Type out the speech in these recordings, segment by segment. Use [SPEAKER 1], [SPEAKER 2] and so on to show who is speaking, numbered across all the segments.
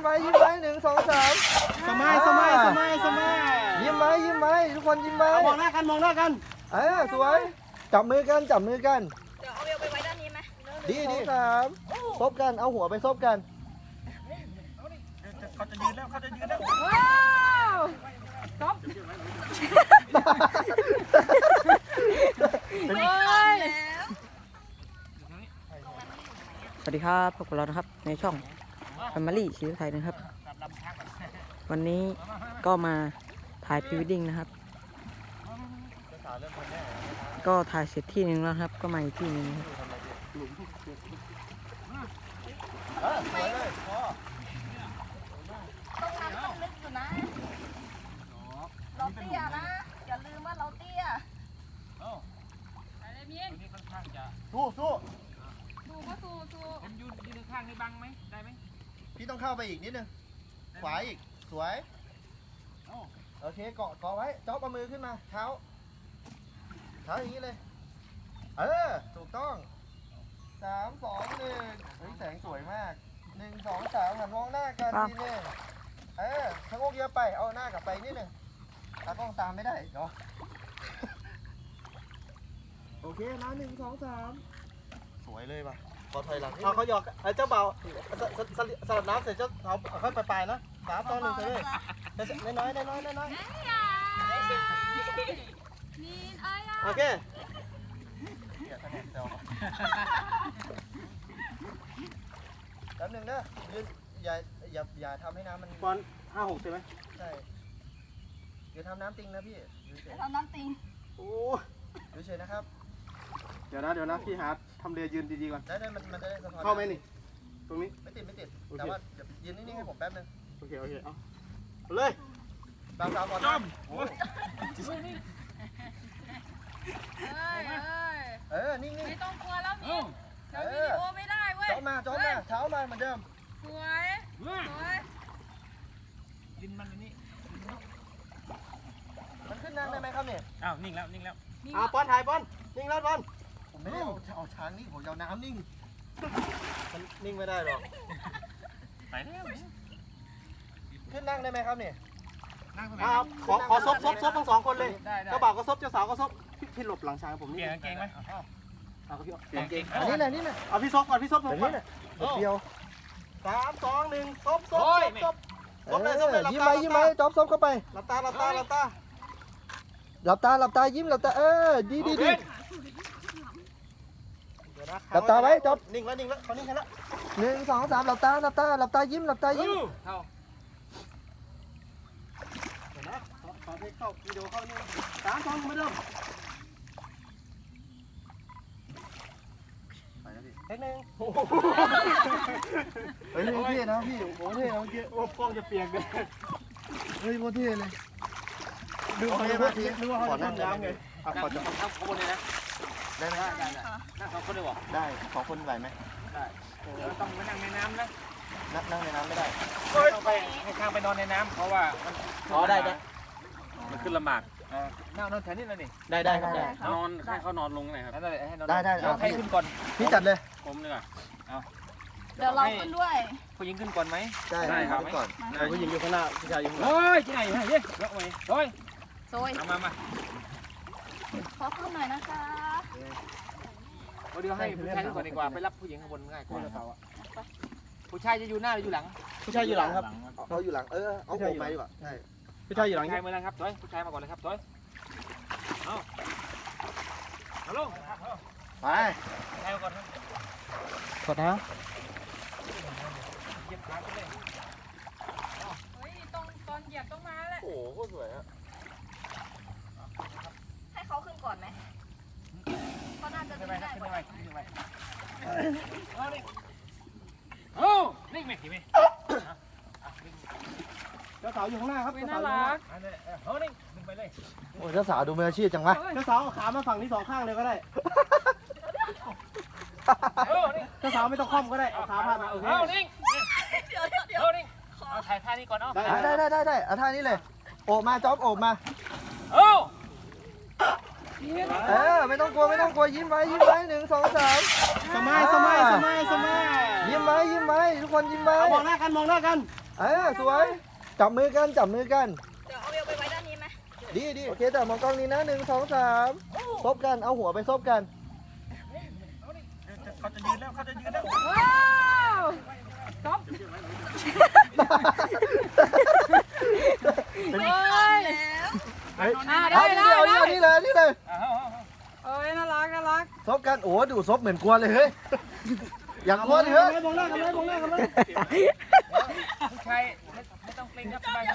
[SPEAKER 1] ยิ้มไว้1 2 3
[SPEAKER 2] สมัย
[SPEAKER 1] ยิ้มไว้ทุกคนยิ้มไว้
[SPEAKER 2] มองหน้ากัน
[SPEAKER 1] สวยจับมือกัน
[SPEAKER 3] เดี๋ยวเอาเวลไปไว้ด้านนี้ไหม
[SPEAKER 1] ดี3ซบกันเอาหัวไปซบกัน
[SPEAKER 2] เขาจะยืนแล้ว
[SPEAKER 3] ว้าวจบ
[SPEAKER 4] สวัสดีครับพบกับเรานะครับในช่อง Family ชีวิตไทยนะครับวันนี้ก็มาถ่ายพรีเวดดิ้งนะครับก็ถ่ายเสร็จที่หนึ่งแล้วครับก็มาอีกที่หนึ่งครับ
[SPEAKER 1] สวยเลยพอ
[SPEAKER 3] ตรงนั้นต้องลึกอยู่นะเราเตี้ยนะอย่าลืมว่าเราเตี้ยอะไรมีน
[SPEAKER 1] สู้
[SPEAKER 3] ดูก็สู้
[SPEAKER 2] ผมยืนข้างนี่บังไหมได้ไหม
[SPEAKER 1] พี่ต้องเข้าไปอีกนิดนึงขวาอีกสวยโอเคเกาะไว้จ๊อบเอามือขึ้นมาเท้าอย่างนี้เลยถูกต้อง3 2 1แสงสวยมาก1 2 3หันมองหน้ากันทีนึงชะโงกเยอะไปเอาหน้ากลับไปนิดนึงตากล้องตามไม่ได้เนาะโอเคนะ1 2 3สวยเลยป่ะพอถอยหลังเขาหยอกเจ้าเบาสลับน้ำเสร็จเจ้าเขาค่อยไปนะ3 2 1เสร็จเลยน้อยโอเคแป๊บนึงนะยืนอย่าทำให้น้ำมัน
[SPEAKER 2] บอล5-6ใช่ไหม
[SPEAKER 1] ใช่อย่าทำน้ำติงนะพี่
[SPEAKER 3] ทำน้ำติง
[SPEAKER 1] โอ้ดูเฉยนะครับ
[SPEAKER 2] เดี๋ยวนะพี่หาทำเรือยืนดีๆก่อน
[SPEAKER 1] ได้มันจะได้สะท้อน
[SPEAKER 2] เข้าไหมนี่ตรงนี้
[SPEAKER 1] ไม่ติดแต่ว่ายืนนิ่งๆให้ผมแป๊บนึง
[SPEAKER 2] โอเคเอาเลย
[SPEAKER 1] บางก่อน
[SPEAKER 3] นิ่งไม่ต้องกลัวแล้วนิ่งเดี๋ยววิดีโอไม่ได้เว้ย
[SPEAKER 1] จ้อมาเท้ามาเหมือนเดิม
[SPEAKER 3] สวย
[SPEAKER 2] ดินมันนี่
[SPEAKER 1] มันขึ้นนั่งได้ไหมครับเนี่ย
[SPEAKER 2] อ้าวนิ่งแล้ว
[SPEAKER 1] ป้อนถ่ายป้อนนิ่งแล้วป้อนผมไม่ได้เอาช้างนิ่งผมเอาน้ำนิ่งมันนิ่งไม่ได้หรอก
[SPEAKER 2] ไปแล้ว
[SPEAKER 1] ขึ้นนั่งได้ไหมครับเนี่ย
[SPEAKER 2] ขอซบทั้ง2คนเลยเจ้าบ่าวก็ซบเจ้าสาวก็ซบพี่หลบหลังช้างผมนี่เก่งไหมเอาพี่
[SPEAKER 1] เก่งนี่นะ
[SPEAKER 2] เอาพี่ซบก่อนพี่ซบผมก่อน
[SPEAKER 1] เดียว3 2 1ซบเลยยิ้มไว้จ๊อบซบเข้าไปหลับตายิ้มหลับตาดีหลับตาไว้จ๊อบ
[SPEAKER 2] นิ่งแล้วเขานิ่งแล้ว
[SPEAKER 1] 1 2 3หลับตายิ้ม
[SPEAKER 2] เดี๋ยวนะขอเทคเข้าวิดีโอเข้านี่3 2เหมือนเดิม
[SPEAKER 1] เทคนึงเฮ้ยโอเคนะพี่โอเคนะเมื่อกี้
[SPEAKER 2] โอ้กล้องจะเปียกเลย
[SPEAKER 1] เฮ้ยโอเคเลย
[SPEAKER 2] ดูเขาจะมาทีนึกว่าเขาจะทำน้ำไงขอจะทำข้างบนเลยนะ
[SPEAKER 1] ได้ไหม
[SPEAKER 2] นั่ง2 คนได้หรอ
[SPEAKER 1] ได้2 คนไหวไหม
[SPEAKER 2] ได้ต้องไปนั่งในน้ำนะ
[SPEAKER 1] นั่งในน้ำไม่ได้
[SPEAKER 2] ต้องไปให้ข้างไปนอนในน้ำเพราะว่า
[SPEAKER 1] ได้
[SPEAKER 2] มันขึ้นลำบากนอนแถวนี้เลยนี่
[SPEAKER 1] ได้
[SPEAKER 2] นอนให้เขานอนลงหน่อยครับ
[SPEAKER 1] ได้
[SPEAKER 2] ให้ขึ้นก่อน
[SPEAKER 1] พี่จัดเลย
[SPEAKER 2] ผมดีกว่า
[SPEAKER 3] เดี๋ยวเราขึ้นด้วย
[SPEAKER 2] ผู้หญิงขึ้นก่อนไหม
[SPEAKER 1] ได้ครับก่อน
[SPEAKER 2] ผู้หญิงอยู่ข้างหน้าผู้ชายอยู่ข้างหลังเฮ้ยที่ไหนเย้ยกไปโอ้ยมา
[SPEAKER 3] ขอขึ้นหน่อยนะคะ
[SPEAKER 2] เดี๋ยวให้ผู้ชายขึ้นก่อนดีกว่าไปรับผู้หญิงข้างบนง่ายกว่าผู้ชายจะอยู่หน้าหรืออยู่หลัง
[SPEAKER 1] ผู้ชายอยู่หลังครับเขาอยู่หลังเอาโผล่ไปดีกว่าใช่
[SPEAKER 2] ผู้ชายอยู่หลังผู้ชายมาแล้วครับถอยผู้ชายมาก่อนเลยครับถอยเอาลง
[SPEAKER 1] ไป
[SPEAKER 2] ใช้มาก่อนครับ
[SPEAKER 1] กดนะ
[SPEAKER 2] เหยียบขาไปเลย
[SPEAKER 3] เฮ้ยตอนเหยียบต้องมาแหละ
[SPEAKER 1] โอ้โหโคตรสวยอะ
[SPEAKER 3] ให้เขาขึ้นก่อนไหมเขาน่าจะได้
[SPEAKER 2] ขึ้นไปโอ้นิ่งไหมทีไหมเจ้าสาวอยู่ข้างหน้าครับ
[SPEAKER 3] น่ารัก
[SPEAKER 2] นิ่งไปเลย
[SPEAKER 1] โอ้เจ้าสาวดูมืออาชีพจังวะ
[SPEAKER 2] เจ้าสาวขามาฝั่งนี้2 ข้างเลยก็ได้เจ้าสาวไม่ต้องคล่อมก็ได้เอาขาพาดมาโอเคนิ่ง
[SPEAKER 3] เดี๋ยว
[SPEAKER 2] นิ่งเอาถ่ายท่านี้ก่อนเนาะ
[SPEAKER 1] ได้เอาท่านี้เลยโอบมาจ๊อบโอบมาไม่ต้องกลัวยิ้มไว้1 2 3
[SPEAKER 2] สมัย
[SPEAKER 1] ยิ้มไว้ทุกคนยิ้มไว้
[SPEAKER 2] มองหน้ากัน
[SPEAKER 1] สวยจับมือกัน
[SPEAKER 3] เดี๋ยวเอาเวลไปไว้ด้านนี้ไหม
[SPEAKER 1] ดีโอเคแต่มองกล้องนี้นะ1 2 3ซบกันเอาหัวไปซบกัน
[SPEAKER 2] เขาจะยืนแล้วเขาจะยืนแล้ว
[SPEAKER 3] ว้าวก๊อฟไม่ทันแล้ว
[SPEAKER 1] ได้นี่เลย
[SPEAKER 3] เอ้ยน่ารัก
[SPEAKER 1] ซบกันโอ้ดูซบเหมือนกลัวเลยเฮ้ยอย่างกลัวเลยเฮ้ย
[SPEAKER 2] มองหน้ากันเลยมองหน้ากันเลย
[SPEAKER 5] ใครไม่ต้องเกรงครับสบาย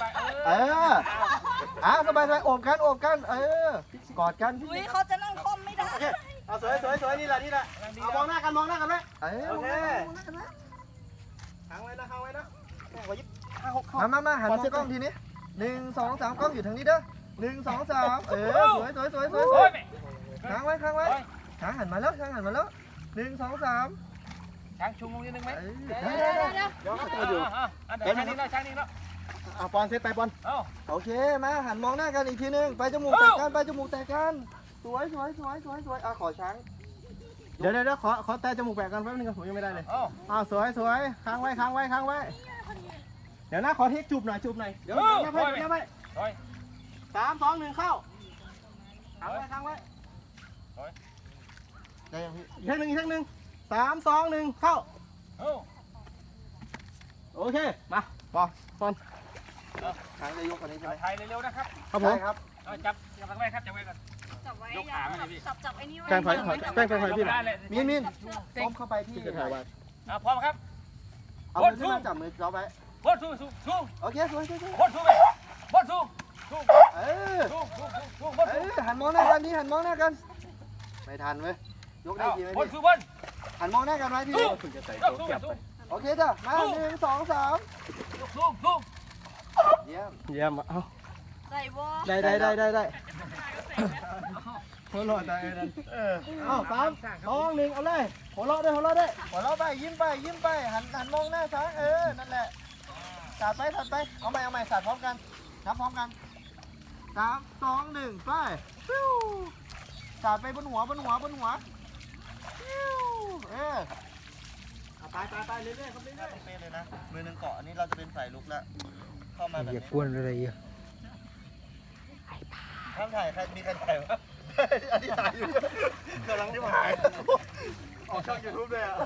[SPEAKER 1] สบายโอบกันกอดกัน
[SPEAKER 3] อุ้ยเขาจะนั่งคอมไม่ได้
[SPEAKER 2] เอาสวยนี่แหละเอามองหน้ากันไว้โอเคค้างไว้นะขอยิบ5 6เข้า
[SPEAKER 1] มาหันมองกล้องทีนี้1 2 3กล้องอยู่ทางนี้เด้อ1 2 3สวยค้างไว้ช้างหันมาแล้ว1 2 3
[SPEAKER 5] ช้างชุมลงนิดนึงไหม
[SPEAKER 1] ได้
[SPEAKER 2] เดี๋ยวเขาตัวอยู่
[SPEAKER 5] เดี๋ยวช้างนี้แล้ว
[SPEAKER 2] เอาปอนเซตไปปอน
[SPEAKER 1] โอเคมาหันมองหน้ากันอีกทีนึงไปจมูกแตกกันสวยขอช้าง
[SPEAKER 2] เดี๋ยวขอแต่จมูกแปะกันแป๊บนึงผมยังไม่ได้เลยสวยค้างไว้เดี๋ยวนะขอเทคจูบหน่อยเดี๋ยวนับไป3 2 1เข้าค้างไว้
[SPEAKER 1] ได้ยังพี่
[SPEAKER 2] อีกเทคหนึ่ง3 2 1เข้าโอเคมาปอน
[SPEAKER 1] ช้างจะยกคนนี้ใช่ไหม
[SPEAKER 5] ไทยเร็วๆนะครับ
[SPEAKER 2] ครับผม
[SPEAKER 1] ครับ
[SPEAKER 5] จับไว้ครับจับไว้ก่อน
[SPEAKER 3] จับไว้
[SPEAKER 5] ยกขามาเลยพี่
[SPEAKER 3] จับไอ้นี่ไว้
[SPEAKER 2] แป้งไฟพี่หน่อย
[SPEAKER 1] มินต้มเข้าไปที่
[SPEAKER 2] จะถ่ายไว้
[SPEAKER 5] พร้อมครับ
[SPEAKER 1] เอามือขึ้นมาจับมือจ้อไว้
[SPEAKER 5] โคตรสู้
[SPEAKER 1] โอเคสวย
[SPEAKER 5] โคตรสู้ไปโคตรสู้
[SPEAKER 1] หันมองหน้ากันไม่ทันเว้ยยกได้ทีไหม
[SPEAKER 5] โคตร
[SPEAKER 1] พี่
[SPEAKER 5] สู้บน
[SPEAKER 1] หันมองหน้ากันไว้พี่
[SPEAKER 2] ถึงจะใส่
[SPEAKER 5] สู้
[SPEAKER 2] ตัวเก็บไป
[SPEAKER 1] โอเคจ้ะมา1 2 3
[SPEAKER 5] สู้
[SPEAKER 1] เยี่ยม
[SPEAKER 2] เยี่ยมเอา
[SPEAKER 3] ใส่วอ
[SPEAKER 2] ได้หัวเราะได้เอา3 2 1เอาเลยหัวเราะได้
[SPEAKER 1] หัวเราะไปยิ้มไปหันมองหน้าช้างนั่นแหละสาดไปเอาใหม่สาดพร้อมกันนับพร้อมกัน3 2 1ไปสาดไปบนหัวไปเรื่อยๆครับเรื่อยๆเป็นเลยนะมือหนึ่งเกาะอันนี้เราจะเป็นสายลุกแล้วเข้ามาแบบนี้
[SPEAKER 2] กวนอะไรอ่ะ
[SPEAKER 1] ห้ามถ่ายใครมีใครถ่ายวะอันนี้ถ่ายอยู่กำลังจะถ่ายออกช่องยูทูบเลยอ่ะ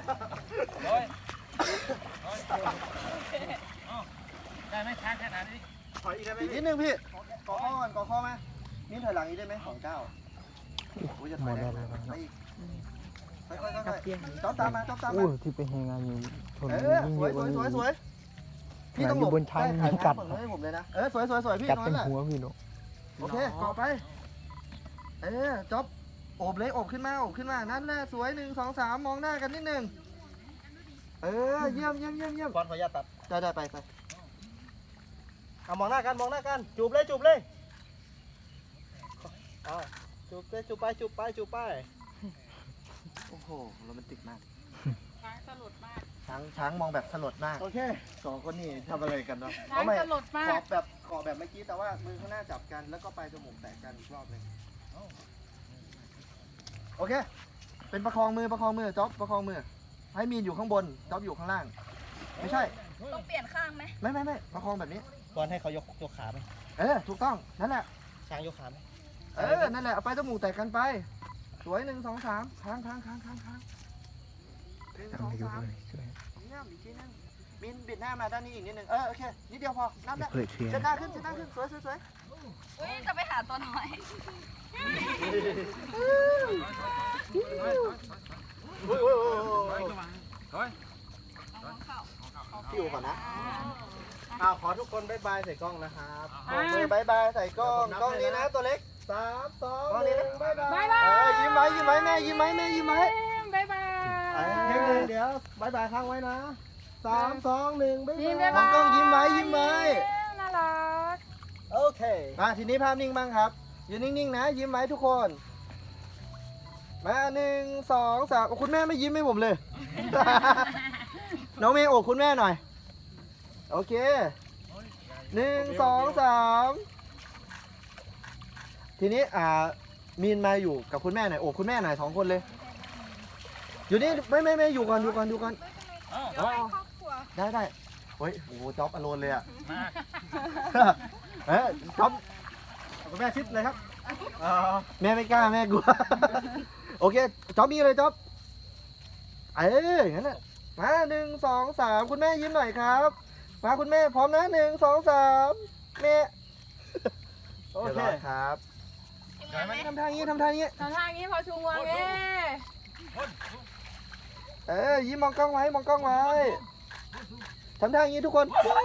[SPEAKER 5] ได้ไหมช้างขนาดนี้
[SPEAKER 2] ถอยอีกได้ไหม
[SPEAKER 1] อีกนิดนึงพี่กอข้อก่อนกอข้อไหมนี่ถอยหลังอีกได้ไหม2 9โอ้ยจะถอยได้ไปอีกค่อยจ๊อบตามมา
[SPEAKER 6] ที่ไปแหงานอยู่ชน
[SPEAKER 1] สวยพี่ต้องหลบถ่ายฝั่งนู้นให้ผมเลยนะสวยพี่
[SPEAKER 6] กัด
[SPEAKER 1] ตรง
[SPEAKER 6] เป็
[SPEAKER 1] นั้น นแหละ
[SPEAKER 6] หัวพี่เนาะ
[SPEAKER 1] โอเคเกาะไปจ๊อบโอบเลยโอบขึ้นมานั่นแหละสวย1 2 3มองหน้ากันนิดนึงเยี่ยม
[SPEAKER 2] ปอนขออนุญาตตัด
[SPEAKER 1] ได้ไป
[SPEAKER 2] เอามองหน้ากันจูบเลยเอาจูบไป
[SPEAKER 1] โอ้โหโรแมนติกมาก
[SPEAKER 3] ช้างสลดมาก
[SPEAKER 1] ช้างมองแบบสลดมาก
[SPEAKER 2] โอเค
[SPEAKER 1] 2 คนนี่ทำอะไรกันเนาะ
[SPEAKER 3] ช้างสลดมาก
[SPEAKER 1] เกาะแบบเมื่อกี้แต่ว่ามือข้างหน้าจับกันแล้วก็ปลายจมูกแตะกันอีกรอบนึงโอเคเป็นประคองมือจ๊อบประคองมือให้มีนอยู่ข้างบนจ๊อบอยู่ข้างล่างไม่ใช่
[SPEAKER 3] ต้องเปลี่ยนข้างไหม
[SPEAKER 1] ไม่ประคองแบบนี้
[SPEAKER 2] ปอนให้เขายกขาไหม
[SPEAKER 1] ถูกต้องนั่นแหละ
[SPEAKER 2] ช้างยกขาไหม
[SPEAKER 1] นั่นแหละเอาไปจมูกแตะกันไปสวย1 2 3ค้าง1 2
[SPEAKER 6] ทำให้ดู
[SPEAKER 1] 3
[SPEAKER 6] เลยช่วย
[SPEAKER 1] เยี่ยมอีกทีนึงมินบิดหน้ามาด้านนี้อีกนิดนึงโอเคนิดเดียวพอนั่นแหละ
[SPEAKER 6] เปิดเทียน
[SPEAKER 1] เช็ดหน้าขึ้นสวย
[SPEAKER 3] อุ้ยจะไปหาตัวน้อย
[SPEAKER 1] พี่อยู่ก่อนนะ
[SPEAKER 2] ขอทุกคนบ๊ายบายใส่กล้องนะครับ
[SPEAKER 1] บอกมือบายใส่กล้องนี้นะตัวเล็ก
[SPEAKER 2] 3 2
[SPEAKER 1] กล้องนี้นะ
[SPEAKER 2] 1บ๊ายบาย
[SPEAKER 1] ยิ้มไว้แม่ยิ้มไว้
[SPEAKER 3] บ๊ายบาย
[SPEAKER 2] เดี๋ยวบ๊ายบายค้างไว้นะ3 2 1บ๊ายบาย
[SPEAKER 1] มองกล้องยิ้มไว้
[SPEAKER 3] น่ารัก
[SPEAKER 2] โอเค
[SPEAKER 1] มาทีนี้ภาพนิ่งบ้างครับยืนนิ่งๆนะยิ้มไว้ทุกคนมา1 2 3คุณแม่ไม่ยิ้มให้ผมเลย น้องเมย์โอบคุณแม่หน่อยโอเค1 2 3ทีนี้มีนมาอยู่กับคุณแม่หน่อยโอบคุณแม่หน่อย2 คนเลยอยู่นี่ไม่อยู่ก่อน
[SPEAKER 3] เดี๋ยวให้ครอบครัว
[SPEAKER 1] ได้เฮ้ยโอ้โหจ๊อบอโลนเลยอ่ะ
[SPEAKER 5] มา
[SPEAKER 1] จ๊อบ
[SPEAKER 2] เอาคุณแม่ชิดเลยครับ
[SPEAKER 1] แม่ไม่กล้าแม่กลัว โอเคจ๊อบมีเลยจ๊อบอย่างนั้นน่ะมา1 2 3คุณแม่ยิ้มหน่อยครับมาคุณแม่พร้อมนะ1 2 3แม่
[SPEAKER 2] โอเค
[SPEAKER 1] เรียบร้อยครับ
[SPEAKER 5] เดี๋ยวไหม
[SPEAKER 1] ทำทางนี้ทำทางนี้
[SPEAKER 3] ทางทางนี้พอชูงวงเอ้
[SPEAKER 1] ยิ้มมองกล้องไว้มองกล้องไว้ทำทางนี้ทุกคน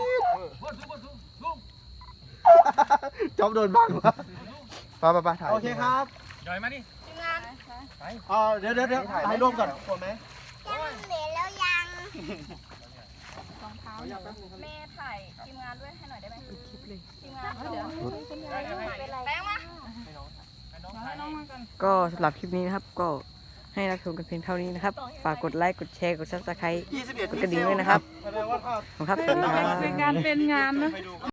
[SPEAKER 1] จ๊อบโดนบังวะไปถ่าย
[SPEAKER 2] โอเคครับ
[SPEAKER 5] เดี๋ยวมาดิ
[SPEAKER 3] ทีมงาน
[SPEAKER 2] เดี๋ยวถ่ายรวมก่อน
[SPEAKER 1] คนไหม
[SPEAKER 3] รองเท้าแม่ถ่ายทีมงานด้วยให้หน่อยได้ไหมทีมงานเดี๋ยว แป้งมา
[SPEAKER 4] ก็สำหรับคลิปนี้นะครับ ก็ให้รับชมกันเพียงเท่านี้นะครับ ฝากกดไลค์ กดแชร์ กด Subscribe
[SPEAKER 1] 21
[SPEAKER 4] กดกระดิ่งด้วยนะครับ
[SPEAKER 2] แสดงว่าถ้า
[SPEAKER 4] ขอบคุณครับ สวัสดีครับ
[SPEAKER 3] เป็นการเป็นงานนะ